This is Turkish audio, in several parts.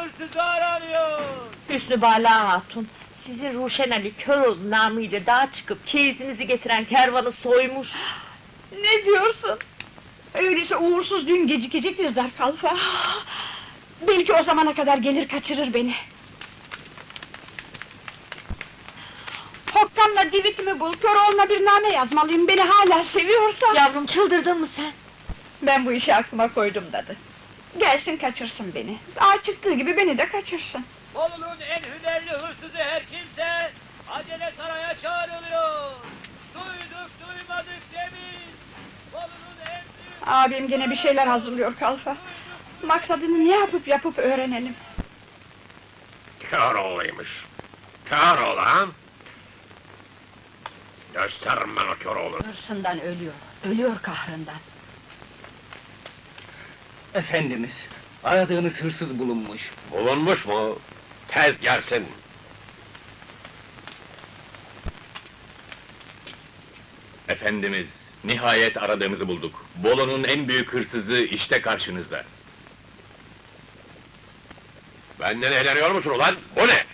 hırsızı aranıyor. Hüsnü Bala Hatun, sizi Ruşen Ali Köroğlu namıyla dağa çıkıp çeyizinizi getiren kervanı soymuş. Ne diyorsun? Öyleyse uğursuz düğün gecikecek bizler Kalfa. Belki o zamana kadar gelir kaçırır beni. Hokkan'la divitimi bul, Köroğlu'na bir name yazmalıyım, beni hala seviyorsa... Yavrum, çıldırdın mı sen? Ben bu işi aklıma koydum dadı. Gelsin kaçırsın beni, dağa çıktığı gibi beni de kaçırsın. Bolu'nun en hünerli hırsızı her kimse acele saraya çağrılıyor. Duyduk duymadık demeyin. Bolu'nun en büyük... Abim gene bir şeyler hazırlıyor Kalfa. Maksadını ne yapıp öğrenelim. Köroğlu'ymuş. Köroğlu ha? Gösteririm ben o Köroğlu'nu. Hırsından ölüyor kahrından. Efendimiz, aradığınız hırsız bulunmuş. Bulunmuş mu? Tez gelsin. Efendimiz, nihayet aradığımızı bulduk. Bolu'nun en büyük hırsızı işte karşınızda. Benden eğleniyor musun ulan? Bu ne?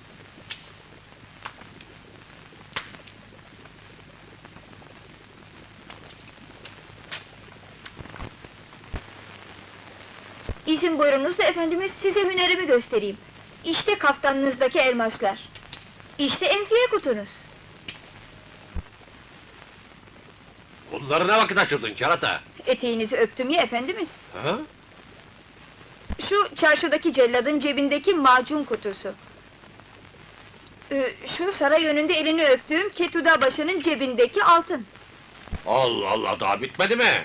İzin buyurunuz da efendimiz, size hünerimi göstereyim. İşte kaftanınızdaki elmaslar. İşte enfiye kutunuz. Bunları ne vakit açırdın kerata? Eteğinizi öptüm ya efendimiz. Ha? Şu çarşıdaki celladın cebindeki macun kutusu. Şu saray önünde elini öptüğüm Ketuda başının cebindeki altın. Allah Allah, daha bitmedi mi?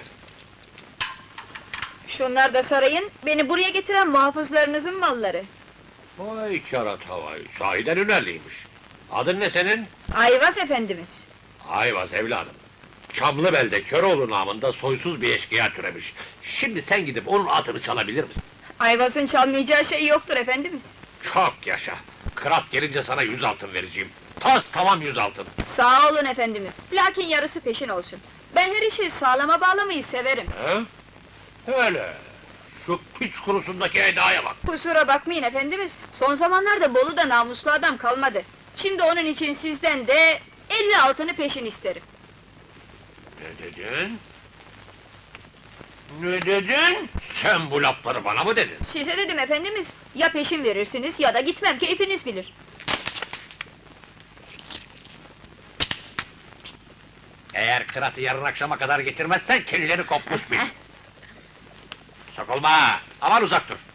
Şunlar da sarayın, beni buraya getiren muhafızlarınızın malları. Vay kerata vay, sahiden hünerliymiş. Adın ne senin? Ayvaz efendimiz. Ayvaz evladım. Çamlıbel'de Köroğlu namında soysuz bir eşkıya türemiş. Şimdi sen gidip onun atını çalabilir misin? Ayvaz'ın çalmayacağı şey yoktur efendimiz. Çok yaşa! Kırat gelince sana 100 altın vereceğim. Tas tamam 100 altın. Sağ olun efendimiz, lakin yarısı peşin olsun. Ben her işi sağlama bağlamayı severim. He? Öyle. Şu piç kurusundaki edaya bak. Kusura bakmayın efendimiz, son zamanlarda Bolu'da namuslu adam kalmadı. Şimdi onun için sizden de 50 altını peşin isterim. Ne dedin? Ne dedin? Sen bu lafları bana mı dedin? Size dedim efendimiz, ya peşin verirsiniz ya da gitmem, keyfiniz bilir. Eğer kıratı yarın akşama kadar getirmezsen kelleri kopmuş bil. Sokulma! Aman uzak dur!